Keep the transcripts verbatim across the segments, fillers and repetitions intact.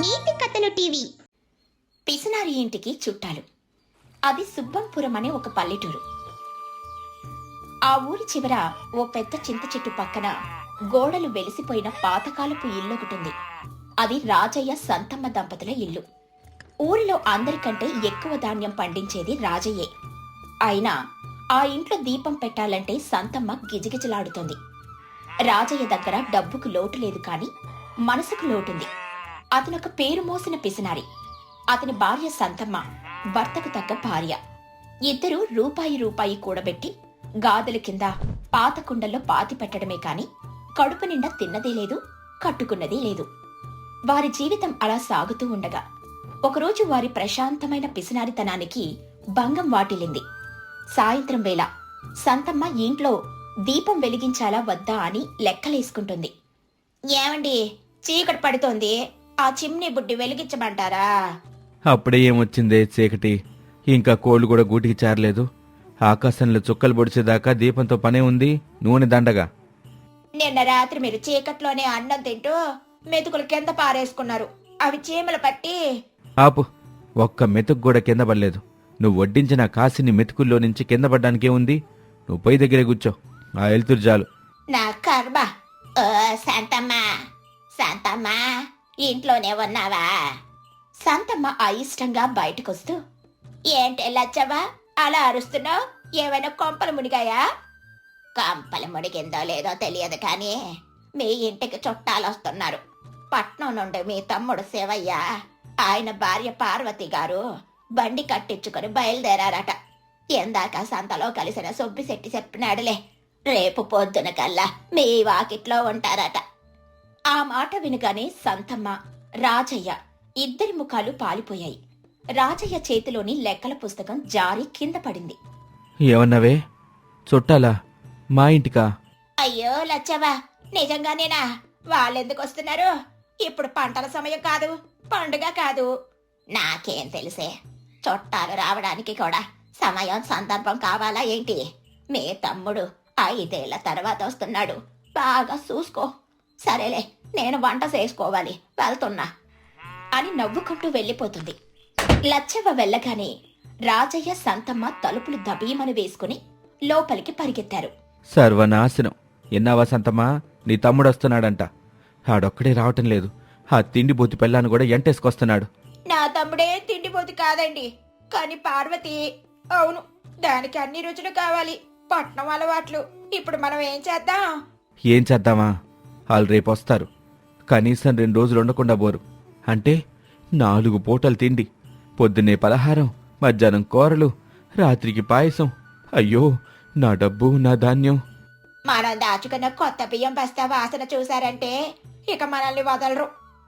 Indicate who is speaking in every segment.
Speaker 1: నీతి కథలు టీవీ.
Speaker 2: పిసినారి ఇంటికి చుట్టాలు. అది సుబ్బంపురం అనే ఒక పల్లెటూరు. ఆ ఊరి చివర ఓ పెద్ద చింత చెట్టు పక్కన గోడలు వెలిసిపోయిన పాతకాలపు ఇల్లొకటుంది. అది రాజయ్య సంతమ్మ దంపతుల ఇల్లు. ఊరిలో అందరికంటే ఎక్కువ ధాన్యం పండించేది రాజయ్యే. అయినా ఆ ఇంట్లో దీపం పెట్టాలంటే సంతమ్మ గిజగిజలాడుతోంది. రాజయ్య దగ్గర డబ్బుకు లోటు లేదు కాని మనసుకు లోటుంది. అతనొక పేరు మోసిన పిసినారి. అతని భార్య సంతమ్మ భర్తకు తగ్గ భార్య. ఇద్దరూ రూపాయి రూపాయి కూడబెట్టి గాదెల కింద పాత కుండల్లో పాతి పెట్టడమే కాని కడుపు నిండా తిన్నదే లేదు, కట్టుకున్నదే లేదు. వారి జీవితం అలా సాగుతూ ఉండగా ఒకరోజు వారి ప్రశాంతమైన పిసినారితనానికి భంగం వాటిల్లింది. సాయంత్రం వేళ సంతమ్మ ఇంట్లో దీపం వెలిగించాలా వద్దా అని లెక్కలేసుకుంటుంది. ఏమండి, చీకటి పడుతోంది, ఆ చిమ్నీ బుడ్డి వెలిగించమంటారా?
Speaker 3: అప్పుడే ఏమొచ్చిందే చీకటి, ఇంకా కోళ్లు కూడా గూటికి చేరలేదు. ఆకాశంలో చుక్కలు పొడిచేదాకా దీపంతో పనే ఉంది, నూనె దండగా.
Speaker 2: నిన్న రాత్రి మీరు చీకట్లోనే అన్నం తింటూ మెతుకులు కింద పారేసుకున్నారు. అవి చీమలు పట్టి.
Speaker 3: ఆపు, ఒక్క మెతుకు కూడా కింద పడలేదు. నువ్వు వడ్డించిన కాసిని మెతుకుల్లో నుంచి కింద పడ్డానికే ఉంది. నువ్వు పొయ్యి దగ్గరే కూర్చో, ఆ ఎలుతురు చాలు.
Speaker 2: నా కర్మ. ఓ శాంతమ్మా, శాంతమ్మా, ఇంట్లోనే ఉన్నావా? శాంతమ్మ అయిష్టంగా బయటకొస్తూ, ఏంటే లచ్చవా అలా అరుస్తున్నావు? ఏమైనా కొంపలు మునిగాయా? కొంపలు మునిగిందో లేదో తెలియదు కానీ మీ ఇంటికి చుట్టాలు వస్తున్నారు. పట్నం నుండి మీ తమ్ముడు శివయ్య, ఆయన భార్య పార్వతి గారు బండి కట్టించుకుని బయలుదేరారట. ఎందాక సంతలో కలిసిన సుబ్బిశెట్టి చెప్పినాడులే, రేపు పొద్దున కల్లా మీ వాకిట్లో ఉంటారట. ఆ మాట వినగానే సంతమ్మ, రాజయ్య ఇద్దరి ముఖాలు పాలిపోయాయి. రాజయ్య చేతిలోని లెక్కల పుస్తకం జారి కింద పడింది.
Speaker 3: ఏమన్నావే? చుట్టాలా? మా ఇంటికా?
Speaker 2: అయ్యో లచ్చవా, నిజంగానేనా? వాళ్ళెందుకు వస్తున్నారు? ఇప్పుడు పంటల సమయం కాదు, పండుగ కాదు. నాకేం తెలిసే, చుట్టాలు రావడానికి కూడా సమయం సందర్భం కావాలా ఏంటి? మీ తమ్ముడు ఐదేళ్ల తర్వాత వస్తున్నాడు, బాగా చూసుకో. సరేలే, నేను వంట చేసుకోవాలి, వెళ్తున్నా అని నవ్వుకుంటూ వెళ్ళిపోతుంది. లచ్చవ్వ వెళ్ళగానే రాజయ్య సంతమ్మ తలుపులు దబీమని వేసుకుని లోపలికి పరిగెత్తారు.
Speaker 3: సర్వనాశనం! ఎన్నావా సంతమ్మా, నీ తమ్ముడు వస్తున్నాడంట. ఆడొక్కడే రావటం లేదు, ఆ తిండిబోతి పెళ్ళాన్ని కూడా ఎంటేసుకొస్తున్నాడు.
Speaker 2: నా తమ్ముడే తిండిపోతు కాదండి, కాని పార్వతి. అవును, దానికి అన్ని రుచులు కావాలి, పట్నం అలవాట్లు. ఇప్పుడు మనం ఏం చేద్దాం?
Speaker 3: ఏం చేద్దామా? వాళ్ళు రేపు వస్తారు, కనీసం రెండు రోజులు ఉండకుండా పోరు. అంటే నాలుగు పూటలు తిండి, పొద్దున్నే పలహారం, మధ్యాహ్నం కూరలు, రాత్రికి పాయసం. అయ్యో, నా డబ్బు, నా ధాన్యం.
Speaker 2: మనం దాచుకున్న కొత్త బియ్యం బస్తా వాసన చూశారంటే ఇక మనల్ని వదలరు.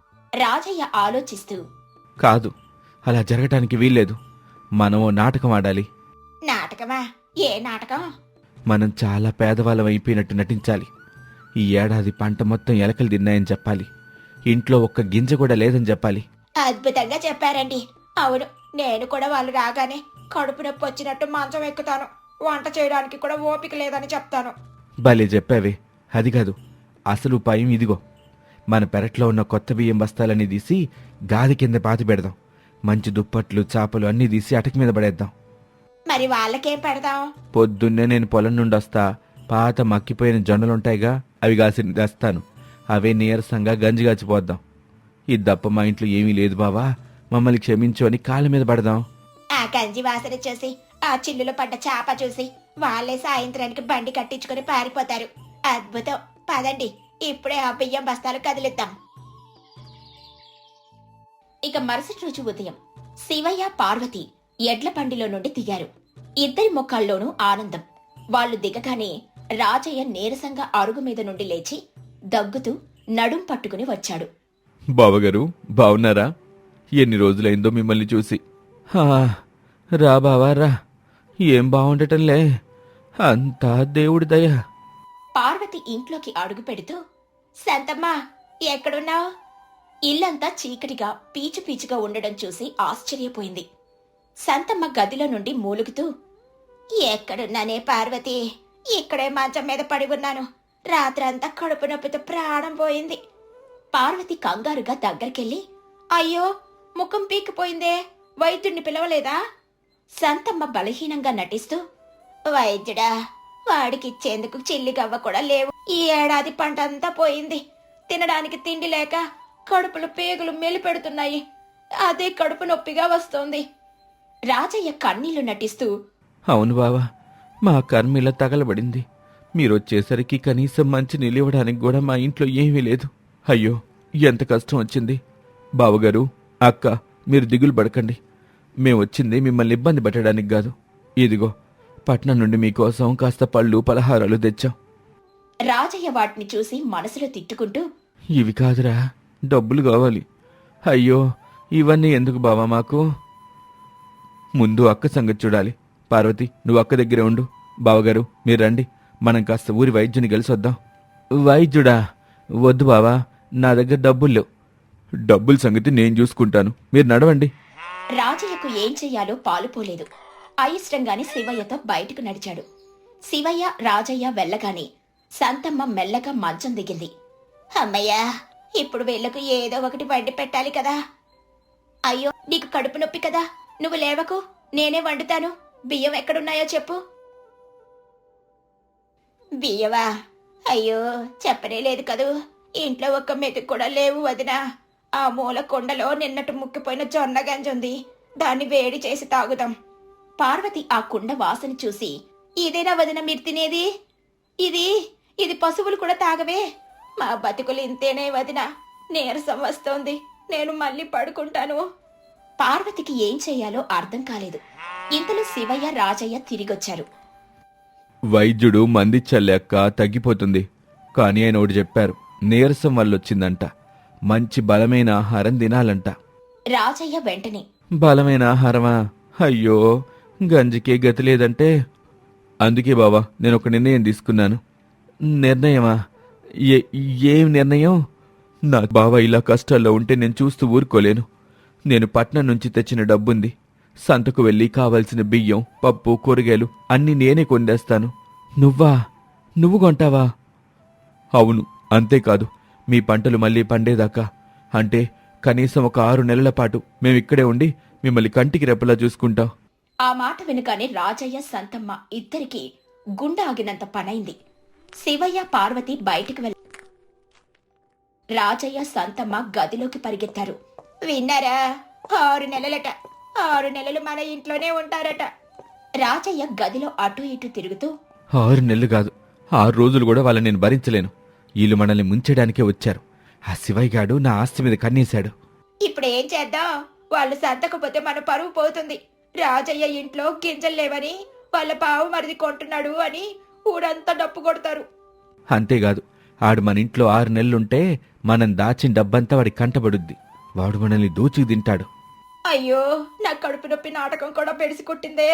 Speaker 2: రాజయ్య ఆలోచిస్తూ,
Speaker 3: కాదు, అలా జరగటానికి వీల్లేదు. మనం ఓ నాటకం ఆడాలి.
Speaker 2: నాటకమా? ఏ నాటకం?
Speaker 3: మనం చాలా పేదవాళ్ళం అయిపోయినట్టు నటించాలి. ఈ ఏడాది పంట మొత్తం ఎలకలు తిన్నాయని చెప్పాలి. ఇంట్లో ఒక్క గింజ కూడా లేదని చెప్పాలి.
Speaker 2: అద్భుతంగా చెప్పారండి. అవును, నేను కూడా వాళ్ళు రాగానే కడుపు నొప్పి వచ్చినట్టు మంచం ఎక్కుతాను, వంట చేయడానికి కూడా ఓపిక లేదని చెప్తాను.
Speaker 3: భలే చెప్పావే. అది కాదు, అసలు ఉపాయం ఇదిగో. మన పెరట్లో ఉన్న కొత్త బియ్యం బస్తాలన్నీ తీసి గాది కింద పాతి పెడదాం. మంచి దుప్పట్లు, చాపలు అన్నీ తీసి అటక మీద పడేద్దాం.
Speaker 2: మరి వాళ్ళకేం పెడదాం?
Speaker 3: పొద్దున్నే నేను పొలం నుండి వస్తా, పాత మక్కిపోయిన జొన్నలుంటాయిగా, అవి కాసి తెస్తాను. అవే నీరసంగా గంజిగాచిపోద్దాం. ఇది తప్ప మా ఇంట్లో ఏమీ లేదు బావా, మమ్మల్ని క్షమించు అని కాళ్ళ మీద పడదాం.
Speaker 2: ఆ గంజి వాసన చూసి, ఆ చిల్లులో పడ్డ చాప చూసి వాళ్ళే సాయంత్రానికి బండి కట్టించుకుని పారిపోతారు. అద్భుతం. పదండి, ఇప్పుడే ఆ బియ్యం బస్తాలు కదిలిద్దాం. ఇక మరుసటి రోజు ఉదయం శివయ్య, పార్వతి ఎడ్ల బండిలో నుండి దిగారు. ఇద్దరి ముఖాల్లోనూ ఆనందం. వాళ్లు దిగగానే రాజయ్య నీరసంగా అరుగు మీద నుండి లేచి దగ్గుతూ నడుం పట్టుకుని వచ్చాడు.
Speaker 3: బావగారు, బావున్నారా? ఎన్ని రోజులైందో మిమ్మల్ని చూసి. రా బావా రా, ఏం బాగుండటంలే, అంతా దేవుడి దయ.
Speaker 2: పార్వతి ఇంట్లోకి అడుగు పెడుతూ, శాంతమ్మా ఎక్కడున్నావు? ఇల్లంతా చీకటిగా పీచు పీచుగా ఉండడం చూసి ఆశ్చర్యపోయింది. శాంతమ్మ గదిలో నుండి మూలుగుతూ, ఎక్కడున్నానే పార్వతి, ఇక్కడే మంచం మీద పడి ఉన్నాను. రాత్రంతా కడుపు నొప్పితో ప్రాణం పోయింది. పార్వతి కంగారుగా దగ్గరికెళ్లి అయ్యో ముఖం పీకిపోయిందే, వైద్యుడిని పిలవలేదా? సంతమ్మ బలహీనంగా నటిస్తూ, వైద్యుడా, వాడికిచ్చేందుకు చిల్లిగవ్వ కూడా లేవు. ఈ ఏడాది పంట అంతా పోయింది. తినడానికి తిండి లేక కడుపులు పేగులు మెలిపెడుతున్నాయి. అదే కడుపు నొప్పిగా వస్తోంది. రాజయ్య కన్నీళ్లు నటిస్తూ,
Speaker 3: అవును బావా, మా కర్మిలా తగలబడింది. మీరొచ్చేసరికి కనీసం మంచి నిలివడానికి కూడా మా ఇంట్లో ఏమీ లేదు. అయ్యో, ఎంత కష్టం వచ్చింది. బావగారు, అక్క, మీరు దిగులు పడకండి. మేమొచ్చింది మిమ్మల్ని ఇబ్బంది పెట్టడానికి కాదు. ఇదిగో, పట్నం నుండి మీకోసం కాస్త పళ్ళు పలహారాలు తెచ్చాం.
Speaker 2: రాజయ్య వాటిని చూసి మనసులో తిట్టుకుంటూ,
Speaker 3: ఇవి కాదురా, డబ్బులు కావాలి. అయ్యో, ఇవన్నీ ఎందుకు బావా మాకు? ముందు అక్క సంగతి చూడాలి. పార్వతి, నువ్వు అక్క దగ్గరే ఉండు. బావగారు, మీరు రండి, మనం కాస్త ఊరి వైద్యుని కలిసి వద్దాం. వైద్యుడా? వద్దు బావా, నా దగ్గర డబ్బులు లేవు. డబ్బుల సంగతి నేను చూసుకుంటాను, మీరు నడవండి.
Speaker 2: రాజయ్యకు ఏం చెయ్యాలో పాలుపోలేదు. అయిష్టంగానే శివయ్యతో బయటకు నడిచాడు. శివయ్య, రాజయ్య వెళ్ళగానే సంతమ్మ మెల్లగా మంచం దిగింది. అమ్మయ్యా, ఇప్పుడు వీళ్లకు ఏదో ఒకటి వండి పెట్టాలి కదా. అయ్యో, నీకు కడుపు నొప్పి కదా, నువ్వు లేవకు, నేనే వండుతాను. బియ్యం ఎక్కడున్నాయో చెప్పు. బియ్యవా? అయ్యో, చెప్పనే లేదు కదూ. ఇంట్లో ఒక్క మెతుకు కూడా లేవు వదినా. ఆ మూల కొండలో నిన్నటి ముక్కిపోయిన జొన్న గంజుంది, దాన్ని వేడి చేసి తాగుదాం. పార్వతి ఆ కుండ వాసన చూసి, ఇదేనా వదిన మీరు తినేది? ఇది ఇది పశువులు కూడా తాగవే. మా బతుకులు ఇంతేనే వదిన, నీరసం వస్తోంది, నేను మళ్ళీ పడుకుంటాను. పార్వతికి ఏం చెయ్యాలో అర్థం కాలేదు. ఇంతలో శివయ్య, రాజయ్య తిరిగొచ్చారు.
Speaker 3: వైద్యుడు మందిచ్చలేక తగ్గిపోతుంది, కానీ ఆయన ఒకటి చెప్పారు, నీరసం వల్లొచ్చిందంట. మంచి బలమైన ఆహారం తినాలంట.
Speaker 2: రాజయ్య వెంటనే,
Speaker 3: బలమైన ఆహారమా? అయ్యో, గంజికే గతి లేదంటే. అందుకే బావా, నేను ఒక నిర్ణయం తీసుకున్నాను. నిర్ణయమా? ఏ ఏం నిర్ణయం? నా బావ ఇలా కష్టాల్లో ఉంటే నేను చూస్తూ ఊరుకోలేను. నేను పట్నం నుంచి తెచ్చిన డబ్బుంది. సంతకు వెళ్ళి కావలసిన బియ్యం, పప్పు, కూరగాయలు అన్నీ నేనే కొందేస్తాను. నువ్వా? నువ్వు కొంటావా? అవును, అంతేకాదు, మీ పంటలు మళ్ళీ పండేదాకా, అంటే కనీసం ఒక ఆరు నెలల పాటు మేమిక్కడే ఉండి మిమ్మల్ని కంటికి రెప్పలా చూసుకుంటాం.
Speaker 2: ఆ మాట వెనుకానే రాజయ్య, సంతమ్మ ఇద్దరికి గుండె ఆగినంత పనైంది. శివయ్య, పార్వతి బయటికి వెళ్ళ రాజయ్య, సంతమ్మ గదిలోకి పరిగెత్తారు. విన్నారా? ఆరు నెలలట, ఆరు నెలలు మన ఇంట్లోనే ఉంటారట. రాజయ్య గదిలో అటూ ఇటూ తిరుగుతూ,
Speaker 3: ఆరు నెలలు కాదు, ఆరు రోజులు కూడా వాళ్ళని నేను భరించలేను. వీళ్ళు మనల్ని ముంచడానికే వచ్చారు. ఆ శివయ్య గాడు నా ఆస్తి మీద కన్నేశాడు.
Speaker 2: ఇప్పుడు ఏం చేద్దాం? వాళ్ళు సర్దకపోతే మన పరువు పోతుంది. రాజయ్య ఇంట్లో గింజలు లేవని వాళ్ళ పావు మరిది కొంటున్నాడు అని ఊరంతా డప్పు కొడతారు.
Speaker 3: అంతేకాదు, ఆడు మన ఇంట్లో ఆరు నెలలుంటే మనం దాచిన డబ్బంతా వాడి కంటబడుద్ది. వాడు మనల్ని దోచుకు తింటాడు.
Speaker 2: అయ్యో, నా కడుపు నొప్పి నాటకం కూడా పెడిసి కొట్టిందే.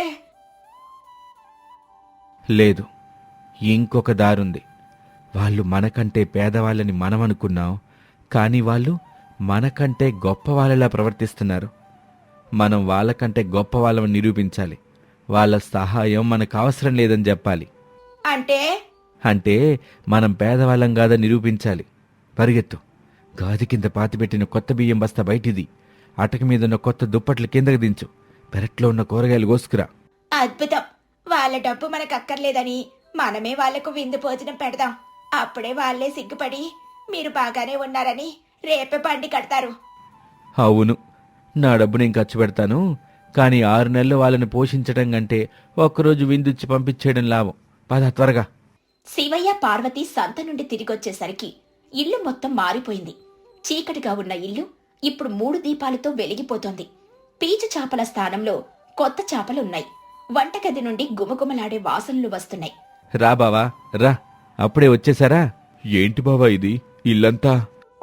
Speaker 3: లేదు, ఇంకొక దారుంది. వాళ్ళు మనకంటే పేదవాళ్ళని మనం అనుకున్నాం, కానీ వాళ్ళు మనకంటే గొప్ప వాళ్ళలా ప్రవర్తిస్తున్నారు. మనం వాళ్ళకంటే గొప్ప వాళ్ళని నిరూపించాలి. వాళ్ళ సహాయం మనకు అవసరం లేదని చెప్పాలి.
Speaker 2: అంటే
Speaker 3: అంటే మనం పేదవాళ్ళం కాదని నిరూపించాలి. పరిగెత్తు, గాది కింద పాతిపెట్టిన కొత్త బియ్యం బస్తా బయటిది. అటక మీదున్న కొత్త దుప్పట్లు కిందకి దించు. పెరట్లో ఉన్న కూరగాయలు కోసుకురా.
Speaker 2: అద్భుతం. వాళ్ళ డబ్బు మనకు అక్కర్లేదని మనమే వాళ్లకు విందు భోజనం పెడదాం. అప్పుడే వాళ్లే సిగ్గుపడి మీరు బాగానే ఉన్నారని రేపే బండి కడతారు.
Speaker 3: అవును, నా డబ్బు నేను ఖర్చు పెడతాను, కానీ ఆరు నెలలు వాళ్ళని పోషించడం కంటే ఒక్కరోజు విందుచ్చి పంపించేయడం లాభం. పద త్వరగా.
Speaker 2: శివయ్య, పార్వతి సంత నుండి తిరిగొచ్చేసరికి ఇల్లు మొత్తం మారిపోయింది. చీకటిగా ఉన్న ఇల్లు ఇప్పుడు మూడు దీపాలతో వెలిగిపోతోంది. పీచు చాపల స్థానంలో కొత్త చాపలున్నాయి. వంటగది నుండి గుమగుమలాడే వాసనలు వస్తున్నాయి.
Speaker 3: రా బావా, రా, అప్పుడే వచ్చేసారా? ఏంటి బావా ఇది, ఇల్లంతా?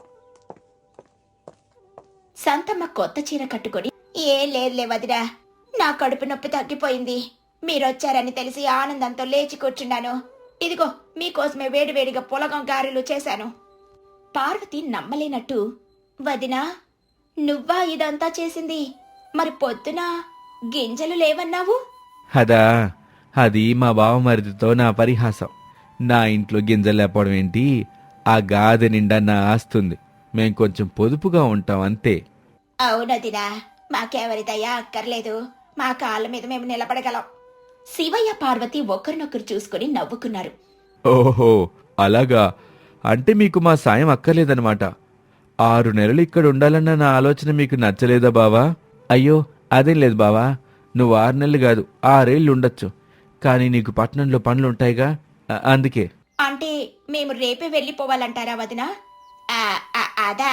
Speaker 2: సంతమ్మ కొత్త చీర కట్టుకొని, ఏం లేదులే వదిరా, నా కడుపు నొప్పి తగ్గిపోయింది. మీరొచ్చారని తెలిసి ఆనందంతో లేచి కూర్చున్నాను. ఇదిగో మీకోసమే వేడివేడిగా పులగం గారెలు చేశాను. పార్వతి నమ్మలేనట్టు, వదినా, నువ్వా ఇదంతా చేసింది? మరి పొద్దున గింజలు లేవన్నావు?
Speaker 3: అదా, అది మా బావమరిదితో నా పరిహాసం. నా ఇంట్లో గింజలు లేపడం ఏంటి? ఆ గాదె నిండా నా ఆస్తుంది. మేం కొంచెం పొదుపుగా ఉంటాం అంతే.
Speaker 2: అవునదినా, మాకెవరి దయా అక్కర్లేదు. మా కాళ్ళ మీద మేము నిలబడగలం. శివయ్య పార్వతి ఒకరినొకరు చూసుకుని నవ్వుకున్నారు.
Speaker 3: ఓహో, అలాగా. అంటే మీకు మా సాయం అక్కర్లేదన్నమాట. ఆరు నెలలు ఇక్కడ ఉండాలన్న నా ఆలోచన మీకు నచ్చలేదా బావా? అయ్యో, అదేం లేదు బావా. నువ్వు ఆరు నెలలు కాదు, ఆరేళ్ళు ఉండొచ్చు. కానీ నీకు పట్టణంలో పనులుంటాయిగా, అ- అందుకే.
Speaker 2: అంటే మేము రేపే వెళ్ళిపోవాలంటారా వదినా? ఆ, ఆ, అదా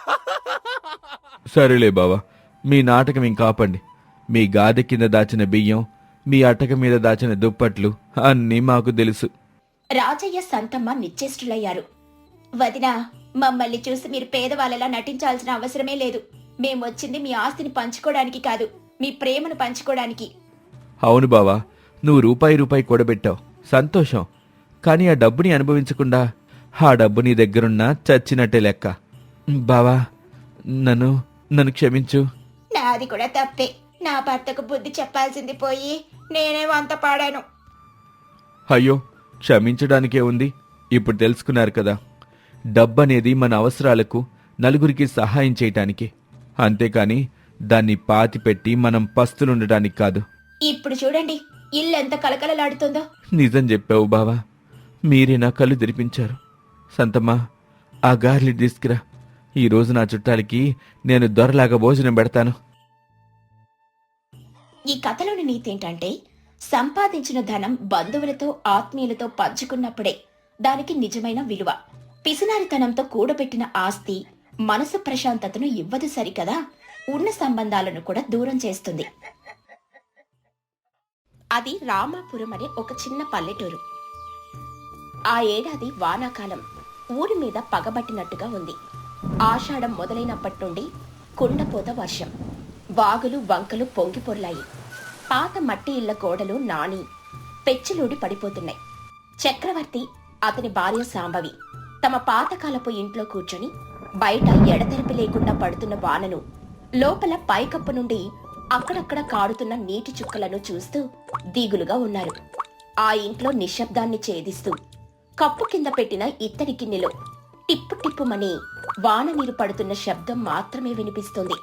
Speaker 3: సరేలే బావా, మీ నాటకం ఇంకా ఆపండి. మీ గాది కింద దాచిన బియ్యం, మీ అటక మీద దాచిన దుప్పట్లు అన్నీ మాకు తెలుసు.
Speaker 2: రాజయ్య సంతమ్మ నిశ్చేష్టులయ్యారు. వదినా, మమ్మల్ని చూసి మీరు పేదవాళ్ళలా నటించాల్సిన అవసరమే లేదు. మేమొచ్చింది మీ ఆస్తిని పంచుకోవడానికి కాదు, మీ ప్రేమను పంచుకోవడానికి.
Speaker 3: అవును బావా, నువ్వు రూపాయి రూపాయి కూడబెట్టావు, సంతోషం. కానీ ఆ డబ్బుని అనుభవించకుండా ఆ డబ్బు నీ దగ్గరున్నా చచ్చినట్టే లెక్క. బావా, నన్ను నన్ను క్షమించు.
Speaker 2: నాది కూడా తప్పే. నా భర్తకు బుద్ధి చెప్పాల్సింది పోయి నేనే వంత పాడాను.
Speaker 3: అయ్యో, క్షమించడానికే ఉంది. ఇప్పుడు తెలుసుకున్నారు కదా, డబ్బనేది మన అవసరాలకు, నలుగురికి సహాయం చేయటానికి. అంతేకాని దాన్ని పాతిపెట్టి మనం పస్తులుండటానికి కాదు.
Speaker 2: ఇప్పుడు చూడండి, ఇల్లెంత కలకలలాడుతుందో.
Speaker 3: నిజం చెప్పావు బావా, మీరే నా కళ్ళు తెరిపించారు. సంతమ్మా, ఆ గార్లి తీసుకురా. ఈరోజు నా చుట్టాలకి నేను దొరలాగా భోజనం పెడతాను.
Speaker 2: ఈ కథలోని నీతేంటంటే, సంపాదించిన ధనం బంధువులతో ఆత్మీయులతో పంచుకున్నప్పుడే దానికి నిజమైన విలువ. పిసినారితనంతో కూడబెట్టిన ఆస్తి మనసు ప్రశాంతతను ఇవ్వదు సరికదా, ఉన్న సంబంధాలను కూడా దూరం చేస్తుంది. అది రామాపురం అనే ఒక చిన్న పల్లెటూరు. ఆ ఏడాది వానాకాలం ఊరి మీద పగబట్టినట్టుగా ఉంది. ఆషాఢం మొదలైనప్పటి నుండి కుండపోత వర్షం. వాగులు వంకలు పొంగి పొర్లాయి. పాత మట్టి ఇళ్ల గోడలు నాని పెచ్చులూడి పడిపోతున్నాయి. చక్రవర్తి, అతని భార్య సాంబవి తమ పాతకాలపు ఇంట్లో కూర్చొని బయట ఎడతెరిపి లేకుండా పడుతున్న వానను, లోపల పైకప్పు నుండి అక్కడక్కడ కారుతున్న నీటి చుక్కలను చూస్తూ దిగులుగా ఉన్నారు. ఆ ఇంట్లో నిశ్శబ్దాన్ని ఛేదిస్తూ కప్పు కింద పెట్టిన ఇత్తడి గిన్నెలో టిప్పు టిప్పుమని వాన నీరు పడుతున్న శబ్దం మాత్రమే వినిపిస్తుంది.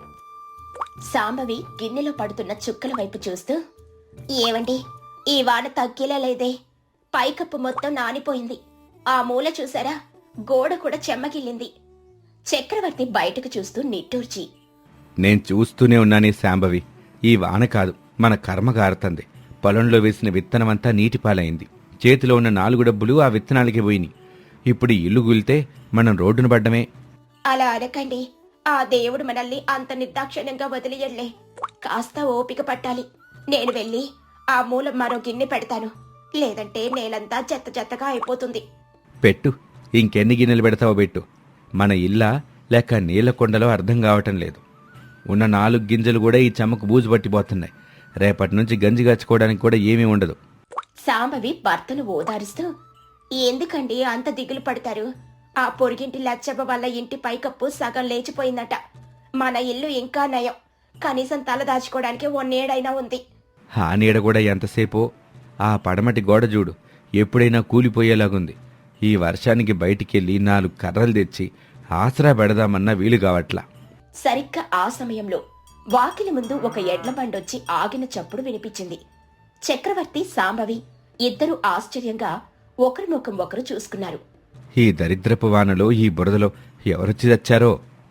Speaker 2: సాంబవి గిన్నెలో పడుతున్న చుక్కల వైపు చూస్తూ, ఏవండి, ఈ వాన తగ్గేలా లేదే. పైకప్పు మొత్తం నానిపోయింది. ఆ మూల చూసారా, గోడ కూడా చెమ్మగిల్లింది. చక్రవర్తి బయటకు చూస్తూ నిట్టూర్చి,
Speaker 3: నేను చూస్తూనే ఉన్నానే శాంభవి, ఈ వాన కాదు, మన కర్మ గారుతంది. పొలంలో వేసిన విత్తనమంతా నీటిపాలైంది. చేతిలో ఉన్న నాలుగు డబ్బులు ఆ విత్తనాలకి పోయినాయి. ఇప్పుడు ఈ ఇల్లు గులితే మనం రోడ్డున పడ్డమే.
Speaker 2: అలా అనకండి. ఆ దేవుడు మనల్ని అంత నిర్దాక్షిణ్యంగా వదిలియడ్లే. కాస్త ఓపిక పట్టాలి. నేను వెళ్ళి ఆ మూలం మరో గిన్నె పెడతాను. లేదంటే నేలంతా చెత్త చెత్తగా అయిపోతుంది.
Speaker 3: పెట్టు, ఇంకెన్ని గిన్నెలు పెడతావో పెట్టు. మన ఇల్లా లేక నీళ్ల కొండలో అర్థం కావటం లేదు. ఉన్న నాలుగు గింజలు కూడా ఈ చెమ్మకు బూజు పట్టిపోతున్నాయి. రేపటి నుంచి గంజి గచ్చుకోవడానికి కూడా ఏమీ ఉండదు.
Speaker 2: సాంబవి భర్తను ఓదారుస్తూ, ఎందుకండి అంత దిగులు పడతారు? ఆ పొరిగింటి లచ్చవ్వ వల్ల ఇంటి పైకప్పు సగం లేచిపోయిందట. మన ఇల్లు ఇంకా నయం. కనీసం తల దాచుకోవడానికి ఓ నీడైనా ఉంది.
Speaker 3: ఆ నీడ కూడా ఎంతసేపో. ఆ పడమటి గోడ చూడు, ఎప్పుడైనా కూలిపోయేలాగుంది. ఈ వర్షానికి బయటికెళ్ళి నాలుగు కర్రలు తెచ్చి ఆసరా పెడదామన్నా వీలు కావట్లా.
Speaker 2: సరిగ్గా ఆ సమయంలో వాకిలి ముందు ఒక ఎడ్ల బండొచ్చి ఆగిన చప్పుడు వినిపించింది. చక్రవర్తి, సాంబవి ఇద్దరూ ఆశ్చర్యంగా ఒకరి ముఖం ఒకరు చూసుకున్నారు.
Speaker 3: ఈ దరిద్రపు వానలో, ఈ బురదలో ఎవరొచ్చి తెచ్చారో?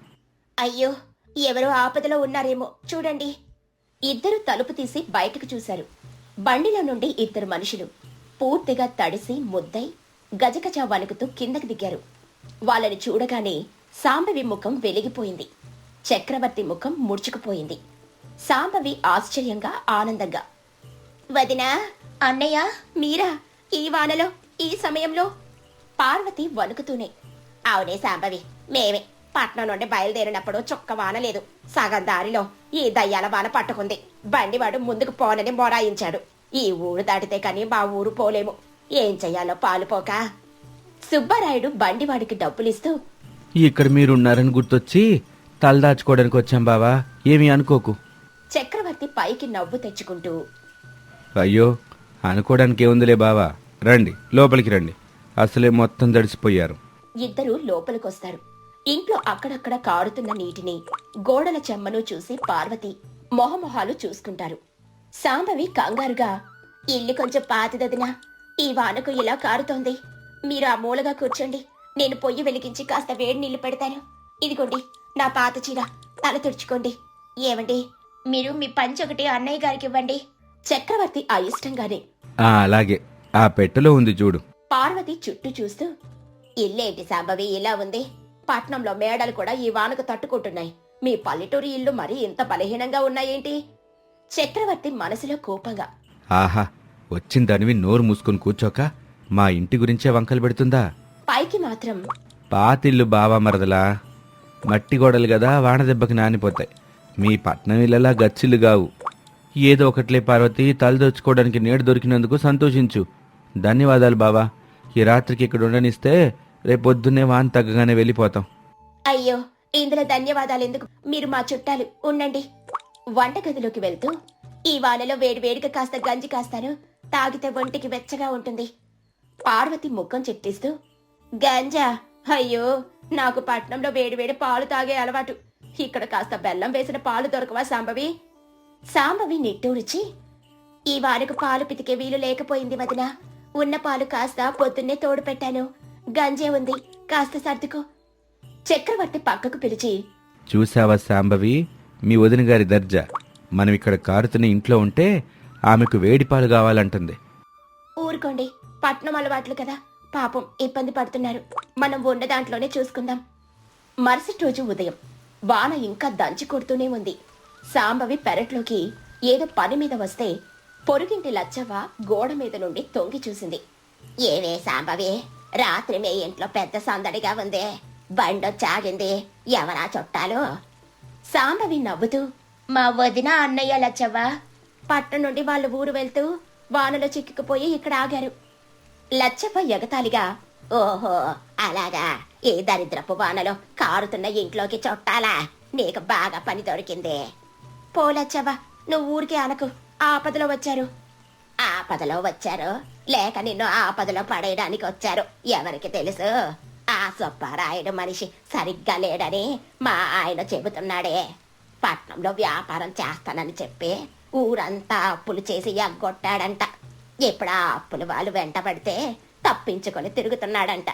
Speaker 2: అయ్యో, ఎవరో ఆపదలో ఉన్నారేమో చూడండి. ఇద్దరు తలుపు తీసి బయటకు చూశారు. బండిలో నుండి ఇద్దరు మనుషులు పూర్తిగా తడిసి ముద్దై గజగజ వణుకుతూ కిందకి దిగారు. వాళ్ళని చూడగానే సాంబవి ముఖం వెలిగిపోయింది. చక్రవర్తి ముఖం ముడుచుకుపోయింది. సాంబవి ఆశ్చర్యంగా, ఆనందంగా, వదినా, అన్నయ్య, మీరా ఈ వానలో, ఈ సమయంలో? పార్వతి వణుకుతూనే, అవునే సాంబవి, మేమే. పట్నం నుండి బయలుదేరినప్పుడు చుక్క వాన లేదు. సగం దారిలో ఈ దయ్యాల వాన పట్టుకుంది. బండివాడు ముందుకు పోనని మొరాయించాడు. ఈ ఊరు దాటితే కాని మా ఊరు పోలేము. ఏం చెయ్యాలో పాలుపోక. సుబ్బారాయుడు బండివాడికి డబ్బులిస్తూ,
Speaker 3: ఇక్కడ మీరున్నారని గుర్తొచ్చి తలదాచుకోవడానికి వచ్చాం బావా, ఏమీ అనుకోకు.
Speaker 2: చక్రవర్తి పైకి నవ్వు తెచ్చుకుంటూ,
Speaker 3: అయ్యో, అనుకోవడానికి ఏముందిలే బావా, రండి లోపలికి రండి. అసలే మొత్తం దడిసిపోయారు.
Speaker 2: ఇద్దరూ లోపలికొస్తారు. ఇంట్లో అక్కడక్కడ కారుతున్న నీటిని గోడల చెమ్మను చూసి పార్వతి మొహమొహాలు చూసుకుంటారు. సాంబవి కంగారుగా, ఇల్లు కొంచెం పాతిదదినా, ఈ వానకు ఇలా కారుతోంది. మీరు ఆ మూలగా కూర్చోండి, నేను పొయ్యి వెలిగించి కాస్త వేడి నీళ్లు పెడతాను. ఇదిగోండి నా పాత చీర, తల తుడుచుకోండి. ఏమండి, మీరు మీ పంచి ఒకటి అన్నయ్య గారికి ఇవ్వండి. చక్రవర్తి అయిష్టంగానే,
Speaker 3: ఆ అలాగే, ఆ పెట్టెలో ఉంది చూడు.
Speaker 2: పార్వతి చుట్టూ చూస్తూ, ఇల్లేంటి సాంబవి ఇలా ఉంది? పట్నంలో మేడలు కూడా ఈ వానకు తట్టుకుంటున్నాయి. మీ పల్లెటూరి ఇల్లు మరీ ఇంత బలహీనంగా ఉన్నాయేంటి? చక్రవర్తి మనసులో కోపంగా,
Speaker 3: ఆహా, వచ్చిందనివి నోరు మూసుకుని కూర్చోక మా ఇంటి గురించే వంకలు పెడుతుందా?
Speaker 2: పైకి మాత్రం,
Speaker 3: పాతిల్లు బావా మరదలా, మట్టి గోడలు కదా, వాన దెబ్బకి నానిపోతాయి. మీ పట్నం ఇళ్ళలా గచ్చిల్లు గావు. ఏదో ఒకట్లే పార్వతి, తలదోచుకోవడానికి నీడ దొరికినందుకు సంతోషించు. ధన్యవాదాలు బావా. ఈ రాత్రికి ఇక్కడ ఉండనిస్తే రేపొద్దున్నే వాన తగ్గగానే వెళ్ళిపోతాం.
Speaker 2: అయ్యో, ఇందులో ధన్యవాదాలు ఎందుకు? మీరు మా చుట్టాలు, ఉండండి. వంటగదిలోకి వెళ్తూ, ఈ వానలో వేడి వేడిగా కాస్త గంజి కాస్తాను, తాగితే ఒంటికి వెచ్చగా ఉంటుంది. పార్వతి ముఖం చెట్టిస్తూ, గంజా? అయ్యో, నాకు పట్నంలో వేడివేడి పాలు తాగే అలవాటు. ఇక్కడ కాస్త బెల్లం వేసిన పాలు దొరకవా సాంబవి? సాంబవి నిట్టూరిచి, ఈ వానకు పాలు పితికే వీలు లేకపోయింది వదినా. ఉన్న పాలు కాస్త పొద్దున్నే తోడు పెట్టాను. గంజే ఉంది, కాస్త సర్దుకో. చక్రవర్తి పక్కకు పిలిచి,
Speaker 3: చూసావా సాంబవి, మీ వదిన గారి దర్జా. మనం ఇక్కడ కారుతున్న ఇంట్లో ఉంటే ఆమెకు వేడిపాలు కావాలంటుంది.
Speaker 2: ఊరుకోండి, పట్నం అలవాట్లు కదా, పాపం ఇబ్బంది పడుతున్నారు. మనం ఉన్న దాంట్లోనే చూసుకుందాం. మరుసటి రోజు ఉదయం వాన ఇంకా దంచి కొడుతూనే ఉంది. సాంబవి పెరట్లోకి ఏదో పని మీద వస్తే పొరుగింటి లచ్చవ్వ గోడ మీద నుండి తొంగి చూసింది. ఏవే సాంబవి, రాత్రి మీ ఇంట్లో పెద్ద సందడిగా ఉంది, బండొచ్చాగింది, ఎవరా చుట్టాలు? సాంబవి నవ్వుతూ, మా వదిన అన్నయ్య లచ్చవ్వ పట్నం నుండి వాళ్ళ ఊరు వెళ్తూ వానలో చిక్కుకుపోయి ఇక్కడ ఆగారు. లచ్చవ్వ ఎగతాళిగా, ఓహో అలాగా, ఈ దరిద్రపు వానలో కారుతున్న ఇంట్లోకి చుట్టాలా? నీకు బాగా పని దొరికింది. పోలచ్చవ్వ, నువ్వు ఊరికి అనకు, ఆపదలో వచ్చారు. ఆపదలో వచ్చారు లేక నిన్ను ఆపదలో పడేయడానికి వచ్చారు, ఎవరికి తెలుసు? ఆ సుబ్బారాయుడు మనిషి సరిగ్గా లేడని మా ఆయన చెబుతున్నాడే. పట్నంలో వ్యాపారం చేస్తానని చెప్పి ఊరంతా అప్పులు చేసి ఎగ్గొట్టాడంట. ఇప్పుడు ఆ అప్పులు వాళ్ళు వెంటబడితే తప్పించుకొని తిరుగుతున్నాడంట.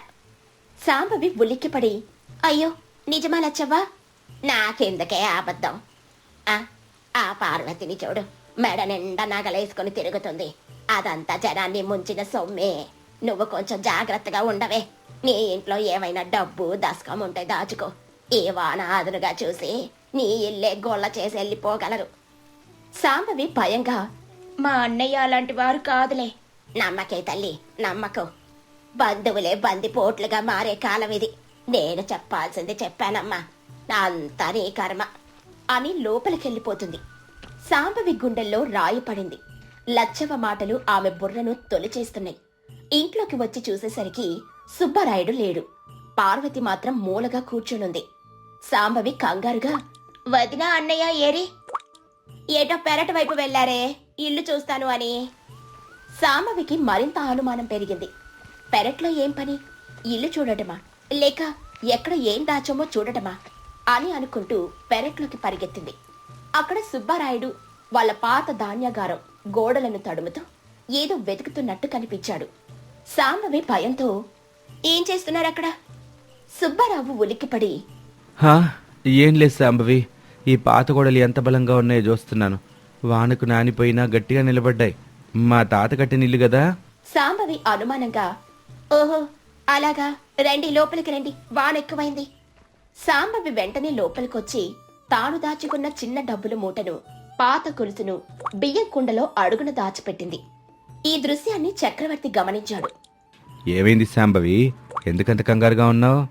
Speaker 2: సాంబవి ఉలిక్కిపడి, అయ్యో నిజమా లచ్చవ్వా? నాకెందుకే అబద్ధం? ఆ ఆ పార్వతిని చూడు, మెడ నిండా నగలేసుకుని తిరుగుతుంది. అదంతా జనాన్ని ముంచిన సొమ్మే. నువ్వు కొంచెం జాగ్రత్తగా ఉండవే. నీ ఇంట్లో ఏమైనా డబ్బు దశకం ఉంటే దాచుకో. ఈ వాన అదునుగా చూసి నీ ఇల్లే గొల్ల చేసి వెళ్ళిపోగలరు. సాంబవి భయంగా, మా అన్నయ్య అలాంటి వారు కాదులే. నమ్మకే తల్లి, నమ్మకం. బంధువులే బందిపోట్లుగా మారే కాలం ఇది. నేను చెప్పాల్సింది చెప్పానమ్మా, అంతా నీ కర్మ అని లోపలికెళ్ళిపోతుంది. సాంబవి గుండెల్లో రాయి పడింది. లచ్చవ మాటలు ఆమె బుర్రను తొలిచేస్తున్నాయి. ఇంట్లోకి వచ్చి చూసేసరికి సుబ్బరాయుడు లేడు. పార్వతి మాత్రం మూలగా కూర్చునుంది. సాంబవి కంగారుగా, వదినా అన్నయ్య ఏరి? ఏటో పెరటి వైపు వెళ్లారే, ఇల్లు చూస్తాను అని. సాంబవికి మరింత అనుమానం పెరిగింది. పెరట్లో ఏం పని? ఇల్లు చూడటమా, లేక ఎక్కడ ఏం దాచమో చూడటమా అని అనుకుంటూ పెరట్లోకి పరిగెత్తింది. అక్కడ సుబ్బారాయుడు వాళ్ళ పాత ధాన్యాగారం గోడలను తడుముతూ ఏదో వెతుకుతున్నట్టు కనిపించాడు. సాంబవి భయంతో, ఏం చేస్తున్నారక్కడ? సుబ్బారావు ఉలిక్కిపడి,
Speaker 3: హా ఏం లేదు సాంబవి, ఈ పాత గోడలు ఎంత బలంగా ఉన్నాయో చూస్తున్నాను. వానకు నానిపోయినా గట్టిగా నిలబడ్డాయి. మా తాత కట్టిన ఇల్లు కదా.
Speaker 2: సాంబవి అనుమానంగా, ఓహో అలాగా, రండి లోపలికి రండి, వాన ఎక్కువైంది. సాంబవి వెంటనే లోపలికొచ్చి తాను దాచుకున్న చిన్న డబ్బుల మూటను, పాత గొలుసును బియ్యం కుండలో అడుగున దాచిపెట్టింది. ఈ దృశ్యాన్ని చక్రవర్తి గమనించాడు.
Speaker 3: ఏమైంది సాంబవి, ఎందుకంత కంగారుగా ఉన్నావు?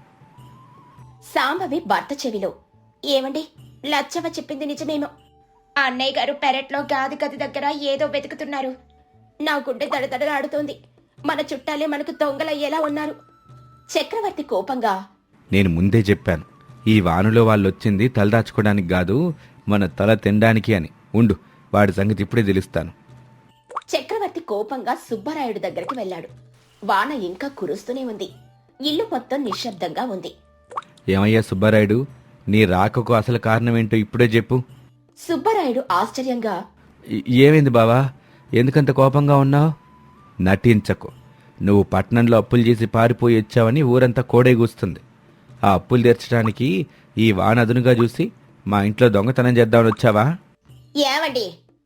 Speaker 2: సాంబవి భర్త చెవిలో, ఏమండి, లచ్చవ చెప్పింది నిజమేమో. అన్నయ్య గారు పెరట్లో గాది గది దగ్గర ఏదో వెతుకుతున్నారు. నా గుండె దడదడలాడుతోంది. మన చుట్టాలే మనకు దొంగలయ్యేలా ఉన్నారు. చక్రవర్తి కోపంగా,
Speaker 3: నేను ముందే చెప్పాను, ఈ వానలో వాళ్ళొచ్చింది తలదాచుకోవడానికి కాదు, మన తల తినడానికి అని. ఉండు, వాడి సంగతి ఇప్పుడే తెలుస్తాను.
Speaker 2: చక్రవర్తి కోపంగా సుబ్బరాయుడు దగ్గరికి వెళ్ళాడు. వాన ఇంకా కురుస్తూనే ఉంది. ఇల్లు మొత్తం నిశ్శబ్దంగా ఉంది.
Speaker 3: ఏమయ్యా సుబ్బారాయుడు, నీ రాకకు అసలు కారణం ఏంటో ఇప్పుడే చెప్పు.
Speaker 2: సుబ్బరాయుడు ఆశ్చర్యంగా,
Speaker 3: "ఏ- ఏమైంది బావా, ఎందుకంత కోపంగా ఉన్నావు? నటించకు. నువ్వు పట్నంలో అప్పులు చేసి పారిపోయి వచ్చావని ఊరంతా కోడేగూస్తుంది. ఆ అప్పులు తీర్చడానికి ఈ వాన అదునుగా చూసి మా ఇంట్లో దొంగతనం చేద్దామని వచ్చావా?"
Speaker 2: ఏమండి,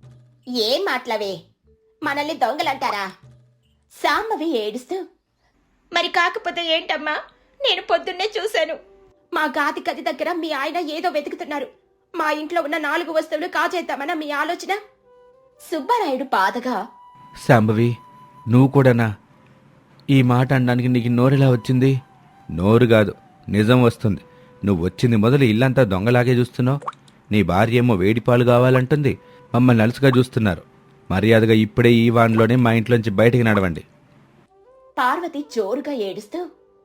Speaker 2: ఏం మాట్లావే, మనల్ని దొంగలంటారా? సాంబవి ఏడుస్తూ, మరి కాకపోతే ఏంటమ్మా, నేను పొద్దున్నే చూశాను. మా గాది గది దగ్గర మీ ఆయన ఏదో వెతుకుతున్నారు. మా ఇంట్లో ఉన్న నాలుగు వస్తువులు కాజేద్దామన్న మీ ఆలోచన? సుబ్బరాయుడు బాధగా,
Speaker 3: శాంభవి, నువ్వు కూడానా? ఈ మాట అనడానికి నీకు నోరెలా వచ్చింది? నోరు కాదు, నిజం వస్తుంది. నువ్వు వచ్చింది మొదలు ఇల్లంతా దొంగలాగే చూస్తున్నావు. నీ భార్య ఏమో వేడిపాలు కావాలంటుంది, మమ్మల్ని అలుసుగా చూస్తున్నారు. మర్యాదగా ఇప్పుడే ఈ వాన్లోనే మా ఇంట్లోంచి బయటికి నడవండి.
Speaker 2: పార్వతి జోరుగా ఏడుస్తూ,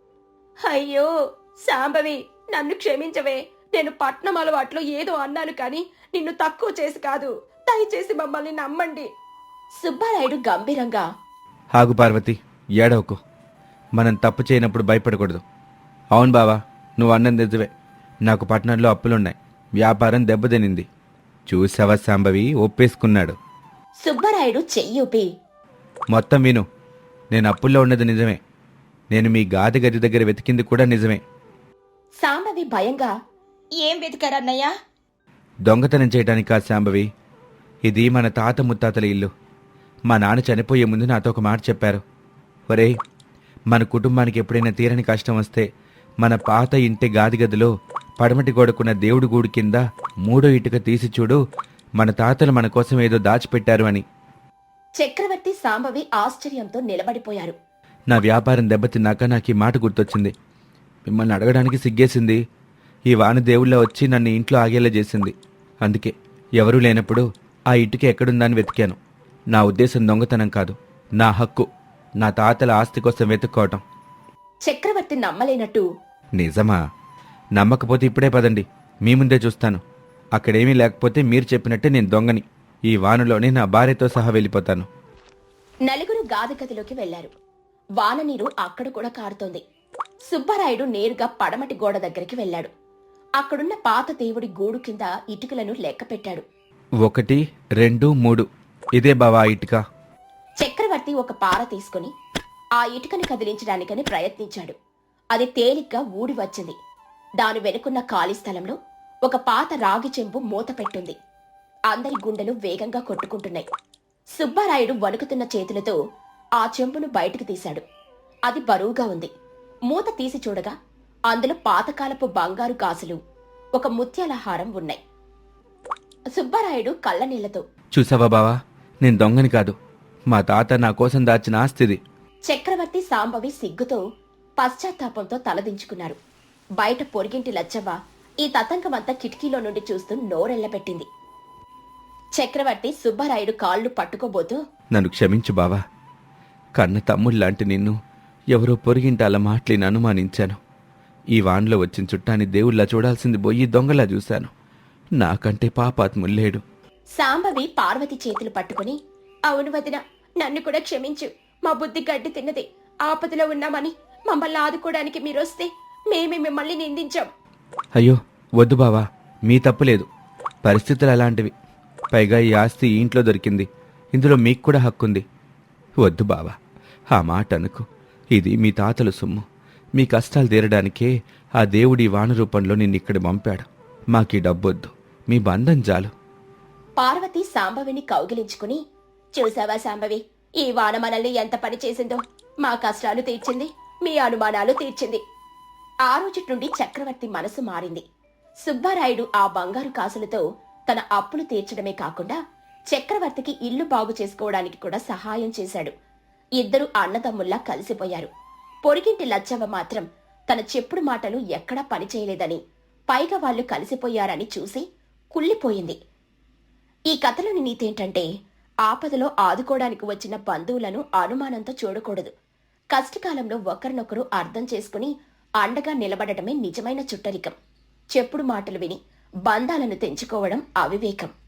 Speaker 2: అయ్యో సాంబవి, నన్ను క్షమించవే. నేను పట్నం అలవాట్లో ఏదో అన్నాను కాని నిన్ను తక్కువ చేసి కాదు. దయచేసి మమ్మల్ని నమ్మండి. సుబ్బారాయుడు గంభీరంగా,
Speaker 3: ఆగు పార్వతి, ఏడవకు. మనం తప్పు చేయనప్పుడు భయపడకూడదు. అవును బావా, నువ్వు అన్నది నిజమే. నాకు పట్టణంలో అప్పులున్నాయి, వ్యాపారం దెబ్బతినింది. చూసావా శాంభవి, ఒప్పేసుకున్నాడు.
Speaker 2: సుబ్బరాయుడు చెయ్యూపి,
Speaker 3: మొత్తం విను. నేను అప్పుల్లో ఉన్నది నిజమే. నేను మీ గాది గది దగ్గర వెతికింది కూడా నిజమే.
Speaker 2: సాంబవి భయంగా, ఏం వెతికారన్నయ్యా?
Speaker 3: దొంగతనం చేయడానికి కాదు శాంభవి, ఇది మన తాత ముత్తాతల ఇల్లు. మా నాన్న చనిపోయే ముందు నాతో ఒక మాట చెప్పారు. ఒరేయ్, మన కుటుంబానికి ఎప్పుడైనా తీరని కష్టం వస్తే మన పాత ఇంటి గాదిగదిలో పడమటి గోడకున్న దేవుడి గూడు కింద మూడో ఇటుక తీసి చూడు, మన తాతలు మన కోసం ఏదో దాచిపెట్టారు అని.
Speaker 2: చక్రవర్తి సాంబవి ఆశ్చర్యంతో నిలబడిపోయారు.
Speaker 3: నా వ్యాపారం దెబ్బతిన్నాక నాకు ఈ మాట గుర్తొచ్చింది. మిమ్మల్ని అడగడానికి సిగ్గేసింది. ఈ వాన దేవుళ్ళ వచ్చి నన్ను ఇంట్లో ఆగేలా చేసింది. అందుకే ఎవరూ లేనప్పుడు ఆ ఇటుక ఎక్కడుందని వెతికాను. నా ఉద్దేశం దొంగతనం కాదు, నా హక్కు. నా తాతల ఆస్తి కోసం వెతుక్కోవటం.
Speaker 2: చక్రవర్తి నమ్మలేనట్టు,
Speaker 3: నిజమా? నమ్మకపోతే ఇప్పుడే పదండి, మీ ముందే చూస్తాను. అక్కడేమీ లేకపోతే మీరు చెప్పినట్టే నేను దొంగని. ఈ వానలోనే నా భార్యతో సహా వెళ్ళిపోతాను.
Speaker 2: నలుగురు గాది గదిలోకి వెళ్లారు. వాన నీరు అక్కడ కూడా కారుతోంది. సుబ్బరాయుడు నేరుగా పడమటి గోడ దగ్గరికి వెళ్ళాడు. అక్కడున్న పాత దేవుడి గూడు కింద ఇటుకలను లెక్క పెట్టాడు.
Speaker 3: ఒకటి, రెండు, మూడు. ఇదే బావా ఆ ఇటుక.
Speaker 2: చక్రవర్తి ఒక పార తీసుకుని ఆ ఇటుకని కదిలించడానికని ప్రయత్నించాడు. అది తేలిగ్గా ఊడి వచ్చింది. దాని వెనుకున్న ఖాళీ స్థలంలో ఒక పాత రాగి చెంబు మూత పెట్టుంది. అందరి గుండెలు వేగంగా కొట్టుకుంటున్నాయి. సుబ్బారాయుడు వణుకుతున్న చేతులతో ఆ చెంబును బయటకు తీశాడు. అది బరువుగా ఉంది. మూత తీసి చూడగా అందులో పాతకాలపు బంగారు గాజులు, ఒక ముత్యాల హారం ఉన్నాయి. సుబ్బారాయుడు కళ్ళనీళ్లతో,
Speaker 3: చూసావా బావా, నేను దొంగని కాదు. మా తాత నా కోసం దాచిన ఆస్తిది.
Speaker 2: చక్రవర్తి సాంబవి సిగ్గుతో పశ్చాత్తాపంతో తలదించుకున్నారు. బయట పొరిగింటి లచ్చవ్వ ఈ తతంగమంతా కిటికీలో నుండి చూస్తూ నోరెళ్లబెట్టింది. చక్రవర్తి సుబ్బారాయుడు కాళ్ళు పట్టుకోబోతూ,
Speaker 3: నన్ను క్షమించు బావా. కన్న తమ్ముళ్లాంటి నిన్ను ఎవరో పొరిగింటి అలా మాటలేని అనుమానించాను. ఈ వాన్లో వచ్చిన చుట్టాన్ని దేవుళ్ళ చూడాల్సింది పోయి దొంగలా చూశాను. నాకంటే పాపాత్ముల్లేడు.
Speaker 2: సాంబవి పార్వతి చేతులు పట్టుకుని, అవును వదిన, నన్ను కూడా క్షమించు. మా బుద్ధి గడ్డి తిన్నది. ఆపదలో ఉన్నామని మమ్మల్ని ఆదుకోవడానికి మీరొస్తే మేమే మిమ్మల్ని నిందించాం.
Speaker 3: అయ్యో వద్దు బావా, మీ తప్పులేదు. పరిస్థితులు అలాంటివి. పైగా ఈ ఆస్తి ఈ ఇంట్లో దొరికింది. ఇందులో మీకు కూడా హక్కుంది. వద్దు బావా, ఆ మాట అనుకు. ఇది మీ తాతల సొమ్ము. మీ కష్టాలు తీరడానికే ఆ దేవుడి వాన రూపంలో నిన్నిక్కడ పంపాడు. మాకీ డబ్బొద్దు, మీ బంధం చాలు.
Speaker 2: పార్వతి సాంబవిని కౌగిలించుకుని, చూసావా సాంబవి, ఈ వాన మనల్ని ఎంత పని చేసిందో. మా కష్టాలు తీర్చింది, మీ అనుమానాలు తీర్చింది. ఆ రోజు నుండి చక్రవర్తి మనసు మారింది. సుబ్బారాయుడు ఆ బంగారు కాసులతో తన అప్పులు తీర్చడమే కాకుండా చక్రవర్తికి ఇల్లు బాగు చేసుకోవడానికి కూడా సహాయం చేశాడు. ఇద్దరు అన్నదమ్ముల్లా కలిసిపోయారు. పొరిగింటి లచ్చవ్వ మాత్రం తన చెప్పుడు మాటలు ఎక్కడా పనిచేయలేదని, పైగా వాళ్ళు కలిసిపోయారని చూసి కుళ్ళిపోయింది. ఈ కథలోని నీతేంటంటే, ఆపదలో ఆదుకోవడానికి వచ్చిన బంధువులను అనుమానంతో చూడకూడదు. కష్టకాలంలో ఒకరినొకరు అర్థం చేసుకుని అండగా నిలబడటమే నిజమైన చుట్టరికం. చెప్పుడు మాటలు విని బంధాలను తెంచుకోవడం అవివేకం.